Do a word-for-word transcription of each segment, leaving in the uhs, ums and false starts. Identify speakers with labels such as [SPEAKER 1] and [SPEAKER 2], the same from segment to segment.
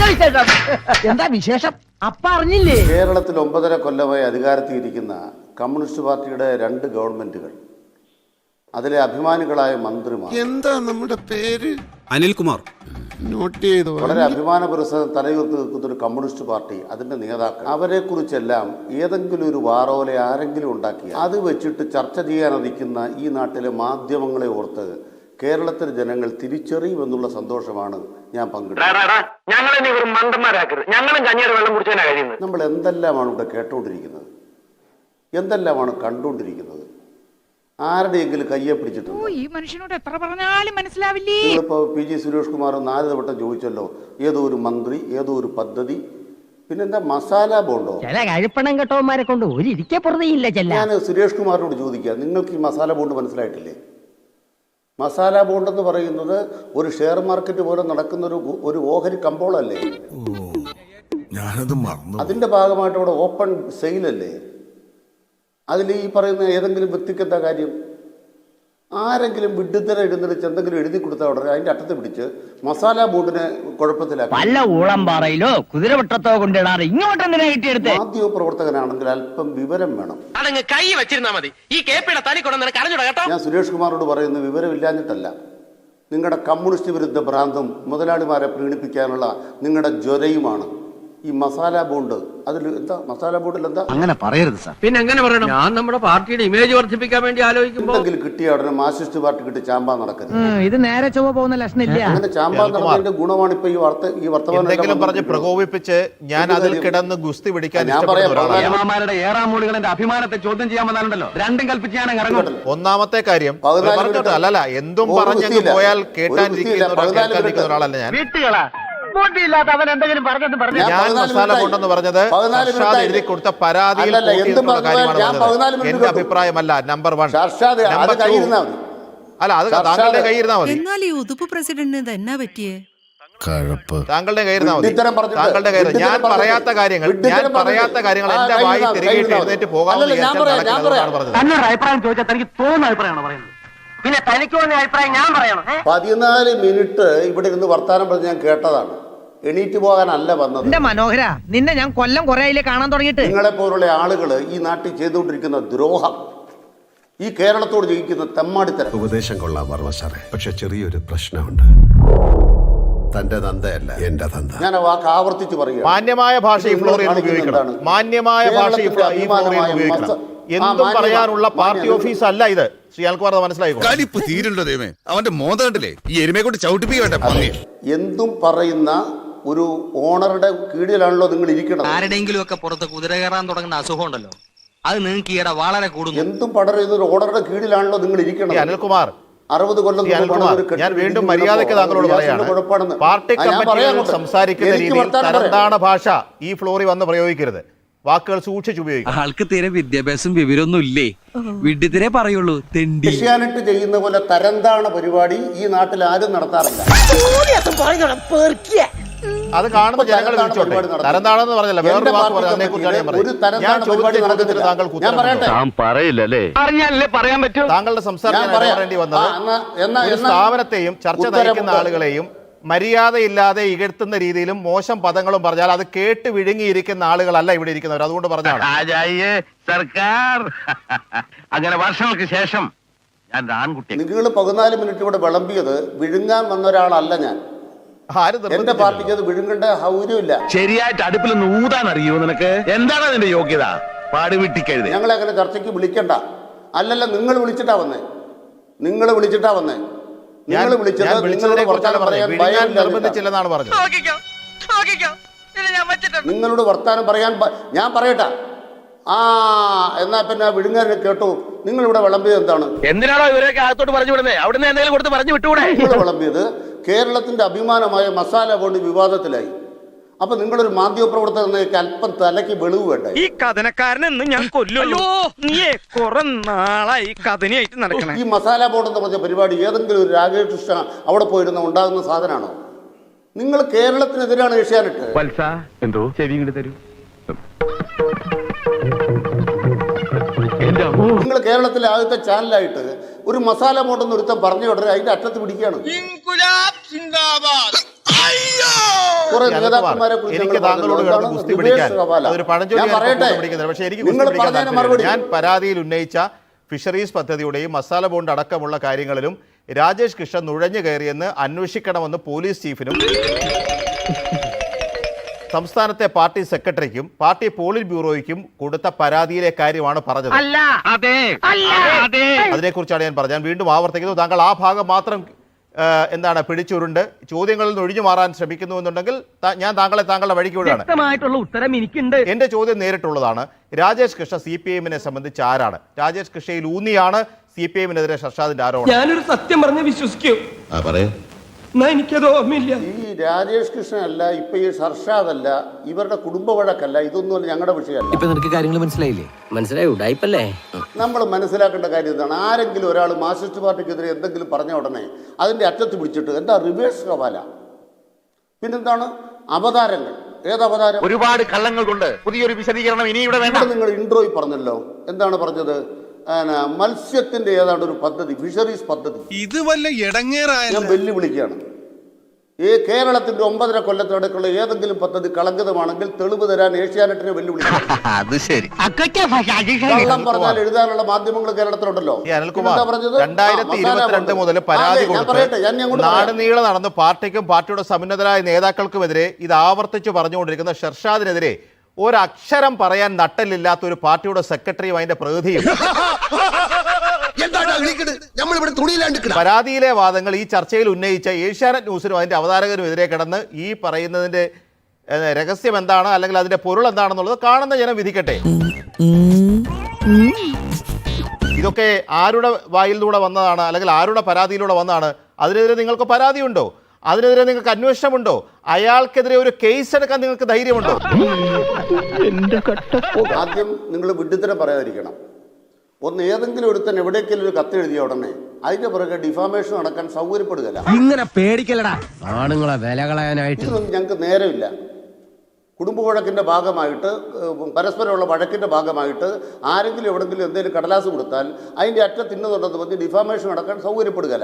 [SPEAKER 1] എന്താ വിശേഷം? അപ്പ അറിഞ്ഞില്ലേ?
[SPEAKER 2] കേരളത്തിൽ ഒമ്പതര കൊല്ലമായി അധികാരത്തിൽ ഇരിക്കുന്ന കമ്മ്യൂണിസ്റ്റ് പാർട്ടിയുടെ രണ്ട് ഗവൺമെന്റുകൾ, അതിലെ അഭിമാനികളായ മന്ത്രിമാർ,
[SPEAKER 3] എന്താ നമ്മുടെ പേര്?
[SPEAKER 4] അനിൽകുമാർ.
[SPEAKER 3] നോട്ട് ചെയ്തു.
[SPEAKER 2] വളരെ അഭിമാന പുരസ്സരം തലയുയർത്തി നിൽക്കുന്ന ഒരു കമ്മ്യൂണിസ്റ്റ് പാർട്ടി, അതിന്റെ നേതാക്കൾ, അവരെ കുറിച്ചെല്ലാം ഏതെങ്കിലും ഒരു വാറോലെ ആരെങ്കിലും ഉണ്ടാക്കി അത് വെച്ചിട്ട് ചർച്ച ചെയ്യാനിരിക്കുന്ന ഈ നാട്ടിലെ മാധ്യമങ്ങളെ ഓർത്ത് കേരളത്തിലെ ജനങ്ങൾ തിരിച്ചറിയുമെന്നുള്ള സന്തോഷമാണ് ഞാൻ പങ്കിടുന്നത്. നമ്മൾ എന്തെല്ലാമാണ് ഇവിടെ കേട്ടുകൊണ്ടിരിക്കുന്നത്, എന്തെല്ലാമാണ് കണ്ടുകൊണ്ടിരിക്കുന്നത്, ആരുടെയെങ്കിലും കയ്യെ പിടിച്ചിട്ടുണ്ട്.
[SPEAKER 1] ഈ മനുഷ്യനോട് എത്ര പറഞ്ഞാലും മനസ്സിലാവില്ലേ?
[SPEAKER 2] നിങ്ങളിപ്പോ പി ജി സുരേഷ് കുമാർ നാല് വട്ടം ചോദിച്ചല്ലോ, ഏതോ ഒരു മന്ത്രി, ഏതോ ഒരു പദ്ധതി, പിന്നെന്താ മസാല ബോണ്ടോ?
[SPEAKER 1] ചില കഴിപ്പണം കെട്ടവന്മാരെ കൊണ്ട് ഒരു ഇരിക്കെ പുറത്തേയില്ല.
[SPEAKER 2] ഞാൻ സുരേഷ് കുമാറിനോട് ചോദിക്കുക, നിങ്ങൾക്ക് ഈ മസാല ബോണ്ട് മനസ്സിലായിട്ടില്ലേ? മസാല ബോണ്ട് എന്ന് പറയുന്നത് ഒരു ഷെയർ മാർക്കറ്റ് പോലെ നടക്കുന്ന ഒരു ഒരു ഓഹരി കമ്പോളല്ലേ? അതിന്റെ ഭാഗമായിട്ട് അവിടെ ഓപ്പൺ സെയിലല്ലേ? അതിൽ ഈ പറയുന്ന ഏതെങ്കിലും വ്യക്തിക്ക് എന്താ കാര്യം? ആരെങ്കിലും വിഡ്ഢിത്തര എഴുന്നള്ളിച്ച് എന്തെങ്കിലും എഴുതി കൊടുത്താൽ ഉടനെ അതിന്റെ അറ്റത്ത് പിടിച്ച് മസാല ബോർഡിനെ കുഴപ്പത്തിലാക്കി.
[SPEAKER 1] വല്ല ഊളംപാറയിലോ കുതിരവട്ടത്തോ കൊണ്ടിടാറ് ഇങ്ങോട്ട് എന്തിനാ കിട്ടിയെടുത്ത്?
[SPEAKER 2] മാധ്യമ പ്രവർത്തകനാണെങ്കിൽ അല്പം വിവരം വേണം.
[SPEAKER 5] കൈ വെച്ചിരുന്നാ മതി. ഈ കേപ്പിയുടെ തനി കൊണ്ടു കരഞ്ഞുട.
[SPEAKER 2] ഞാൻ സുരേഷ് കുമാറിനോട് പറയുന്നത് വിവരമില്ലാഞ്ഞിട്ടല്ല, നിങ്ങളുടെ കമ്മ്യൂണിസ്റ്റ് വിരുദ്ധ ഭ്രാന്തും മുതലാളിമാരെ പ്രീണിപ്പിക്കാനുള്ള നിങ്ങളുടെ ജ്വരയുമാണ് ഈ മസാല ബോണ്ട്. അതിൽ എന്താ മസാല ബോണ്ടിൽ എന്താ?
[SPEAKER 6] അങ്ങനെ പറയരുത് സാർ.
[SPEAKER 5] പിന്നെ എങ്ങനെ പറയണം? ഞാൻ നമ്മുടെ പാർട്ടിയുടെ ഇമേജ് വർദ്ധിപ്പിക്കാൻ വേണ്ടി ആലോചിക്കുമ്പോൾ
[SPEAKER 2] എന്തെങ്കിലും കിട്ടിയ ഉടനെ മാർക്സിസ്റ്റ് പാർട്ടി കിട്ടി ചാമ്പാൻ നടക്കരുത്.
[SPEAKER 1] ഇത് നേരെ ചൊവ്വ പോകുന്ന ലക്ഷണില്ല.
[SPEAKER 2] അങ്ങനെ ചാമ്പാൻ നടന്നതിന്റെ ഗുണമാണ് ഇപ്പൊ ഈ വാർത്ത ഈ വർത്തമാനം
[SPEAKER 7] പറഞ്ഞ് പ്രകോപിപ്പിച്ച് ഞാൻ അതിൽ കിടന്ന് ഗുസ്തി പിടിക്കാൻ
[SPEAKER 2] ഞാൻ പറയാം.
[SPEAKER 6] ഏറാമൂളികളുടെ അഭിമാനത്തെ ചോദ്യം ചെയ്യാൻ വന്നാലുണ്ടല്ലോ രണ്ടും കൽപ്പിച്ച് ഞാൻ ഇറങ്ങും.
[SPEAKER 7] ഒന്നാമത്തെ കാര്യം അല്ലല്ല, എന്തും പറഞ്ഞങ്ങ് പോയാൽ കേട്ടാനിരിക്കുന്ന ഒരാളല്ല ഞാൻ. ഞാൻ മസാല ബോണ്ടെന്ന് പറഞ്ഞത് എഴുതി കൊടുത്ത പരാതിയിൽ എന്റെ അഭിപ്രായമല്ല. Number one. അല്ല, അത് താങ്കളുടെ കയ്യിരുന്നാ മതി.
[SPEAKER 8] എന്നാൽ ഈ ഉതുപ്പ് പ്രസിഡന്റിന് എന്നാ പറ്റിയേ?
[SPEAKER 7] താങ്കളുടെ കയ്യിരുന്നാ മതി. താങ്കളുടെ കയ്യിൽ ഞാൻ പറയാത്ത കാര്യങ്ങൾ ഞാൻ പറയാത്ത കാര്യങ്ങൾ എന്റെ വായി തിരികെ എഴുന്നേറ്റ് പോകാമെന്ന് പറഞ്ഞത്.
[SPEAKER 1] അഭിപ്രായം ചോദിച്ചാൽ തനിക്ക് തോന്നുന്ന അഭിപ്രായമാണ് പറയുന്നത്. പിന്നെ തനിക്ക് തോന്നിയ അഭിപ്രായം ഞാൻ പറയണം.
[SPEAKER 2] പതിനാല് മിനിറ്റ് ഇവിടെ ഇരുന്ന് വർത്താനം പറഞ്ഞ് ഞാൻ കേട്ടതാണ്. എണീറ്റ് പോകാനല്ല വന്നത്.
[SPEAKER 1] എന്റെ മനോഹര, നിന്നെ ഞാൻ കൊല്ലം കുറെ ആയില്ലേ കാണാൻ തുടങ്ങിയിട്ട്.
[SPEAKER 2] നിങ്ങളെ പോലുള്ള ആളുകൾ ഈ നാട്ടിൽ ചെയ്തുകൊണ്ടിരിക്കുന്ന ദ്രോഹം, ഈ കേരളത്തോട് ജയിക്കുന്ന തെമ്മാടിത്തരം.
[SPEAKER 3] ഉപദേശം കൊള്ളാൻ പറഞ്ഞ സാറേ, പക്ഷെ ചെറിയൊരു പ്രശ്നമുണ്ട്. തന്റെ തന്തയല്ല എന്റെ തന്ത.
[SPEAKER 2] ഞാൻ ആ വാക്ക് ആവർത്തിച്ച് പറയുക.
[SPEAKER 7] മാന്യമായ ഭാഷ ഈ ഫ്ലോറിൽ ഉപയോഗിക്കണം. മാന്യമായ ഭാഷ ഈ ഫ്ലോറിൽ ഉപയോഗിക്കണം. എന്തും പറയാനുള്ള പാർട്ടി ഓഫീസ് അല്ല ഇത്. ശ്രീ അനിൽകുമാർ മനസ്സിലായിക്കോ?
[SPEAKER 3] അവന്റെ മോന്ത കണ്ടില്ലേ? ഈ എരുമയെ കൊണ്ട് ചവിട്ടിപ്പിക്കട്ടെ.
[SPEAKER 2] എന്തും പറയുന്ന ഒരു ഓണറുടെ കീഴിലാണല്ലോ നിങ്ങൾ ഇരിക്കണം.
[SPEAKER 5] ആരുടെയെങ്കിലും ഒക്കെ പുറത്ത് കുതിര കയറാൻ തുടങ്ങുന്ന അസുഖം ഉണ്ടല്ലോ, അത് നിങ്ങൾക്ക് ഈയിടെ വളരെ കൂടുന്നു.
[SPEAKER 2] എന്തും പടരുന്ന ഒരു ഓണറുടെ കീഴിലാണല്ലോ നിങ്ങൾ ഇരിക്കണം.
[SPEAKER 7] അനിൽകുമാർ,
[SPEAKER 2] അറുപത് കൊല്ലം
[SPEAKER 7] ഞാൻ വീണ്ടും മര്യാദയ്ക്ക് താങ്കളോട് പറയാണ്, പാർട്ടി കമ്മിറ്റികൾ സംസാരിക്കുന്ന രീതിയിൽ തരംതാണ ഭാഷ ഈ ഫ്ലോറിൽ വന്ന് പ്രയോഗിക്കരുത്. വാക്കുകൾ സൂക്ഷിച്ച് ഉപയോഗിക്കും.
[SPEAKER 6] ആൾക്ക് തീരെ വിദ്യാഭ്യാസം വിവരമൊന്നും ഇല്ലേ? വിഡ്ഢിത്തിരെ പറയുള്ളൂ.
[SPEAKER 2] ഏഷ്യാനെറ്റ് ചെയ്യുന്ന പോലെ തരംതാണ പരിപാടി ഈ നാട്ടിൽ ആരും നടത്താറില്ല.
[SPEAKER 7] അത് കാണുന്ന ജനങ്ങൾ വിളിച്ചോട്ടെ. തരംതാണെന്ന് പറഞ്ഞല്ല, വേറൊരു വാക്ക് പറഞ്ഞു. അതിനെ കുറിച്ചാണ് ഞാൻ പറഞ്ഞത്. ഞാൻ ചോദിച്ചതിന് താങ്കൾ
[SPEAKER 6] പറയാൻ പറ്റൂ.
[SPEAKER 7] താങ്കളുടെ സംസാരം പറയേണ്ടി വന്നത് ഒരു സ്ഥാപനത്തെയും ചർച്ച നയിക്കുന്ന ആളുകളെയും മര്യാദയില്ലാതെ ഇകഴ്ത്തുന്ന രീതിയിലും മോശം പദങ്ങളും പറഞ്ഞാൽ അത് കേട്ട് വിഴുങ്ങിയിരിക്കുന്ന ആളുകളല്ല ഇവിടെ ഇരിക്കുന്നവർ. അതുകൊണ്ട് പറഞ്ഞാണ്
[SPEAKER 5] സർക്കാർ അങ്ങനെ വർഷങ്ങൾക്ക് ശേഷം ഞാൻ ആൺകുട്ടി.
[SPEAKER 2] നിങ്ങൾ പതിനാല് മിനിറ്റ് ഇവിടെ വിളമ്പിയത് വിഴുങ്ങാൻ വന്ന ഒരാളല്ല ഞാൻ. എന്റെ പാർട്ടിക്ക് അത് വിഴുങ്ങേണ്ട സൗകര്യമില്ല.
[SPEAKER 5] ശരിയായിട്ട് അടുപ്പിൽ ഊതാൻ അറിയോ നിനക്ക്? എന്താണ് അതിന്റെ യോഗ്യത? പാടുവിട്ടിക്കരുത്.
[SPEAKER 2] ഞങ്ങളെ അങ്ങനെ ചർച്ചയ്ക്ക് വിളിക്കണ്ട. അല്ലല്ല, നിങ്ങൾ വിളിച്ചിട്ടാ വന്നേ. നിങ്ങൾ വിളിച്ചിട്ടാ വന്നേ. നിങ്ങൾ വിളിച്ചത് നിങ്ങളോട് വർത്താനം പറയാൻ
[SPEAKER 7] നിർബന്ധിച്ചില്ലെന്നാണ് പറഞ്ഞത്.
[SPEAKER 2] നിങ്ങളോട് വർത്താനം പറയാൻ ഞാൻ പറയട്ടെ. ആ എന്നാ പിന്നെ വിഴുങ്ങാനെ കേട്ടു. നിങ്ങൾ ഇവിടെ വിളമ്പിയത് എന്താണ്?
[SPEAKER 5] എന്തിനാണോ ഇവരൊക്കെ അകത്തോട്ട് പറഞ്ഞു വിടുന്നത്? അവിടുന്ന് എന്തെങ്കിലും കൊടുത്ത് പറഞ്ഞു വിട്ടുകൂടെ?
[SPEAKER 2] നിങ്ങൾ വിളമ്പിയത് കേരളത്തിന്റെ അഭിമാനമായ മസാല ബോണ്ട് വിവാദത്തിലായി. അപ്പൊ നിങ്ങളൊരു മാധ്യമ പ്രവർത്തകർക്ക് അല്പം തലയ്ക്ക് വെളിവ് വേണ്ടേ?
[SPEAKER 9] ഈ കഥനക്കാരനെന്ന് ഞാൻ കൊല്ലുമല്ലോ. നീയെ കുറെ നാളായി കഥനയായിട്ട് നടക്കണേ.
[SPEAKER 2] ഈ മസാല ബോണ്ട് എന്ന് പറഞ്ഞ പരിപാടി ഏതെങ്കിലും ഒരു രാകേഷ് കൃഷ്ണ അവിടെ പോയിരുന്ന ഉണ്ടാകുന്ന സാധനമാണോ? നിങ്ങൾ കേരളത്തിനെതിരാണ് ഏഷ്യാനെറ്റ്.
[SPEAKER 6] എന്തോ ചെവി ഇങ്ങോട്ട് തരൂ.
[SPEAKER 2] നിങ്ങൾ കേരളത്തിലെ ആദ്യത്തെ ചാനലായിട്ട് ഒരു മസാല ബോണ്ടെന്ന് ഒരുത്തം പറഞ്ഞു ഉടനെ അതിന്റെ അറ്റത്ത് പിടിക്കുകയാണ്. കുറെ
[SPEAKER 7] ഈ
[SPEAKER 2] നേതാക്കന്മാരെ കുറിച്ച്
[SPEAKER 7] എനിക്ക്
[SPEAKER 2] ഞങ്ങൾ
[SPEAKER 7] താങ്കളോട്
[SPEAKER 2] പറഞ്ഞല്ലോ.
[SPEAKER 7] കിടന്ന്
[SPEAKER 2] എന്താണ്?
[SPEAKER 7] ഗുസ്തി പിടിക്കാൻ
[SPEAKER 2] റിവേഴ്സ് ഹവാല.
[SPEAKER 7] അതൊരു പഴഞ്ചൊല്ലി
[SPEAKER 2] ഞാൻ പറയട്ടെ.
[SPEAKER 7] പിടിക്കുന്നത്. പക്ഷേ എനിക്ക്
[SPEAKER 2] നിങ്ങൾ
[SPEAKER 7] ഗുസ്തി പിടിക്കാൻ
[SPEAKER 2] പറഞ്ഞതിന്
[SPEAKER 7] താല്പര്യമില്ല.
[SPEAKER 2] മറുപടി.
[SPEAKER 7] ഞാൻ പരാതിയിൽ ഉന്നയിച്ച ഫിഷറീസ് പദ്ധതിയുടെയും മസാല ബോണ്ട് അടക്കമുള്ള കാര്യങ്ങളിലും രാജേഷ് കൃഷ്ണൻ നുഴഞ്ഞു കയറിയെന്ന് അന്വേഷിക്കണമെന്ന് പോലീസ് ചീഫിനും സംസ്ഥാനത്തെ പാർട്ടി സെക്രട്ടറിക്കും പാർട്ടി പോളിറ്റ് ബ്യൂറോയ്ക്കും കൊടുത്ത പരാതിയിലെ കാര്യമാണ് പറഞ്ഞത്.
[SPEAKER 9] അല്ല അതെ അല്ല അതെ
[SPEAKER 7] അതിനെക്കുറിച്ചാണ് ഞാൻ പറഞ്ഞത്. ഞാൻ വീണ്ടും ആവർത്തിക്കുന്നു, താങ്കൾ ആ ഭാഗം മാത്രം ആ, എന്താണ് പിടിച്ചുരുണ്ട് ചോദ്യങ്ങളിൽ നിന്ന് ഒഴിഞ്ഞു മാറാൻ ശ്രമിക്കുന്നു എന്നുണ്ടെങ്കിൽ ത- ഞാൻ താങ്കളെ താങ്കളുടെ വഴിക്ക് വിടുകയാണ്.
[SPEAKER 9] വ്യക്തമായിട്ടുള്ള ഉത്തരം എനിക്കുണ്ട്.
[SPEAKER 7] എന്റെ ചോദ്യം നേരിട്ടുള്ളതാണ്. രാജേഷ് കൃഷ്ണ സി പി എമ്മിനെ സംബന്ധിച്ച് ആരാണ്? രാജേഷ് കൃഷ്ണയിൽ ഊന്നിയാണ് സി പി എമ്മിനെതിരെ ഷർഷാദിന്റെ ആരോപണം.
[SPEAKER 4] ഞാനൊരു സത്യം പറഞ്ഞ് വിശ്വസിക്കൂ, എന്നാ എനിക്കത് ഓർമ്മയില്ല.
[SPEAKER 2] ഈ രാജേഷ് കൃഷ്ണൻ അല്ല, ഇപ്പൊ ഈ സർഷാദ് അല്ല, ഇവരുടെ കുടുംബ വഴക്കല്ല, ഇതൊന്നും ഞങ്ങളുടെ വിഷയമല്ല.
[SPEAKER 1] ഇപ്പൊ നിനക്ക് കാര്യങ്ങൾ മനസ്സിലായില്ലേ? മനസ്സിലായി ഉടായിപ്പല്ലേ?
[SPEAKER 2] നമ്മൾ മനസ്സിലാക്കേണ്ട കാര്യം എന്താണ്? ആരെങ്കിലും ഒരാൾ മാർക്സിസ്റ്റ് പാർട്ടിക്കെതിരെ എന്തെങ്കിലും പറഞ്ഞ ഉടനെ അതിന്റെ അറ്റത്ത് പിടിച്ചിട്ട് എന്താ റിവേഴ്സ് ഹവാല, പിന്നെന്താണ് അവതാരങ്ങൾ? ഏത് അവതാരം?
[SPEAKER 5] ഒരുപാട് കള്ളങ്ങൾ കൊണ്ട് പുതിയൊരു വിശദീകരണം ഇനി ഇവിടെ വേണ്ട.
[SPEAKER 2] ഇവിടെ നിങ്ങൾ ഇൻട്രോയിൽ പറഞ്ഞല്ലോ, എന്താണ് പറഞ്ഞത്? ആന, മത്സ്യത്തിന്റെ ഏതാണ്ട് ഒരു പദ്ധതി, ഫിഷറീസ് പദ്ധതി.
[SPEAKER 3] ഇത് വല്ല ഇടങ്ങേറായ
[SPEAKER 2] ഞാൻ വെല്ലുവിളിക്കുകയാണ്. ഈ കേരളത്തിന്റെ ഒമ്പതര കൊല്ലത്തിനടക്കുള്ള ഏതെങ്കിലും പദ്ധതി കളങ്കിതമാണെങ്കിൽ തെളിവ് തരാൻ ഏഷ്യാനെറ്റിനെ വെല്ലുവിളിക്കും.
[SPEAKER 5] അത് ശരി.
[SPEAKER 2] കള്ളം പറഞ്ഞാൽ എഴുതാനുള്ള മാധ്യമങ്ങൾ കേരളത്തിലുണ്ടല്ലോ.
[SPEAKER 7] ഈ അനിൽകുമാർ രണ്ടായിരത്തി ഇരുപത്തിരണ്ട് മുതൽ പരാതി കൊടുത്ത് നാടുനീളെ നടന്ന് പാർട്ടിക്കും പാർട്ടിയുടെ സമുന്നതരായ നേതാക്കൾക്കുമെതിരെ ഇത് ആവർത്തിച്ചു പറഞ്ഞുകൊണ്ടിരിക്കുന്ന ഷർഷാദിനെതിരെ ഒരക്ഷരം പറയാൻ നട്ടലില്ലാത്ത ഒരു പാർട്ടിയുടെ സെക്രട്ടറിയും അതിന്റെ പ്രതിനിധിയും പരാതിയിലെ വാദങ്ങൾ ഈ ചർച്ചയിൽ ഉന്നയിച്ച ഏഷ്യാനെറ്റ് ന്യൂസിനും അതിന്റെ അവതാരകരും എതിരെ കിടന്ന് ഈ പറയുന്നതിന്റെ രഹസ്യം എന്താണ്, അല്ലെങ്കിൽ അതിന്റെ പൊരുൾ എന്താണെന്നുള്ളത് കാണുന്ന ജനം വിധിക്കട്ടെ. ഇതൊക്കെ ആരുടെ വായിലൂടെ വന്നതാണ്, അല്ലെങ്കിൽ ആരുടെ പരാതിയിലൂടെ വന്നതാണ്? അതിനെതിരെ നിങ്ങൾക്ക് പരാതിയുണ്ടോ? അതിനെതിരെ നിങ്ങൾക്ക് അന്വേഷണമുണ്ടോ? അയാൾക്കെതിരെ ഒരു കേസ് എടുക്കാൻ നിങ്ങൾക്ക് ധൈര്യമുണ്ടോ?
[SPEAKER 2] ആദ്യം നിങ്ങൾ വിഡ്ഢിത്തരം പറയാതിരിക്കണം. ഒന്ന് ഏതെങ്കിലും ഒരുത്തൻ എവിടേക്കെങ്കിലും ഒരു കത്ത് എഴുതിയ ഉടനെ അതിന്റെ പുറകെ ഡിഫാമേഷൻ നടക്കാൻ സൗകര്യപ്പെടുകയല്ല.
[SPEAKER 1] ഇങ്ങനെ പേടിക്കലടാ ആണുങ്ങളെ വില കളയാനായിട്ട്.
[SPEAKER 2] ഇതൊന്നും ഞങ്ങൾക്ക് നേരമില്ല. കുടുംബ വഴക്കിന്റെ ഭാഗമായിട്ട്, പരസ്പരമുള്ള വഴക്കിന്റെ ഭാഗമായിട്ട് ആരെങ്കിലും എവിടെങ്കിലും എന്തെങ്കിലും കടലാസ് കൊടുത്താൽ അതിന്റെ അറ്റ തിന്നുന്നുണ്ടെന്ന് പറഞ്ഞ് ഡിഫാമേഷൻ നടക്കാൻ സൗകര്യപ്പെടുകയല്ല.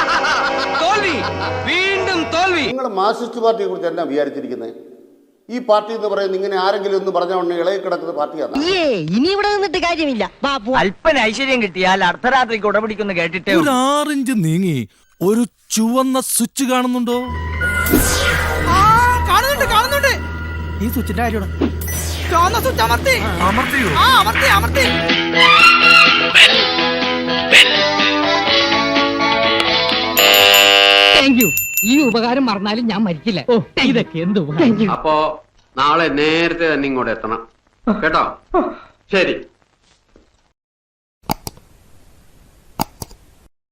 [SPEAKER 2] നിങ്ങൾ മാർക്സിസ്റ്റ് പാർട്ടിയെ കുറിച്ച് എന്നാ വിചാരിച്ചിരിക്കുന്നത്? ഈ പാർട്ടി എന്ന് പറയുന്നത് ഇങ്ങനെ ആരെങ്കിലും ഒന്ന് പറഞ്ഞ ഉടനെ ഇളകി കിടക്കുന്ന പാർട്ടിയാണ്.
[SPEAKER 10] ഇനി ഇവിടെ നിന്നിട്ട് കാര്യമില്ല.
[SPEAKER 9] അല്പന ഐശ്വര്യം കിട്ടിയാൽ അർദ്ധരാത്രിക്ക് ഉടപിടിക്കുന്നു കേട്ടിട്ടേ
[SPEAKER 4] ഒരു ആറിഞ്ച് നീങ്ങി ഒരു ചുവന്ന സ്വിച്ച് കാണുന്നുണ്ടോ? കാണുന്നുണ്ട് കാണുന്നുണ്ട്. ഈ സ്വിച്ചിന്റെ കാര്യമാണ്. ചുവന്ന സ്വിച്ച് അമർത്തി അമർത്തിയോ? ആ അമർത്തി അമർത്തി.
[SPEAKER 10] Thank you. ഈ ഉപകാരം മറന്നാലും ഞാൻ മരിക്കില്ല. ഇതൊക്കെ എന്ത്
[SPEAKER 1] അപ്പോ നാളെ നേരത്തെ തന്നെ ഇങ്ങോട്ട് എത്തണം കേട്ടോ? ശരി.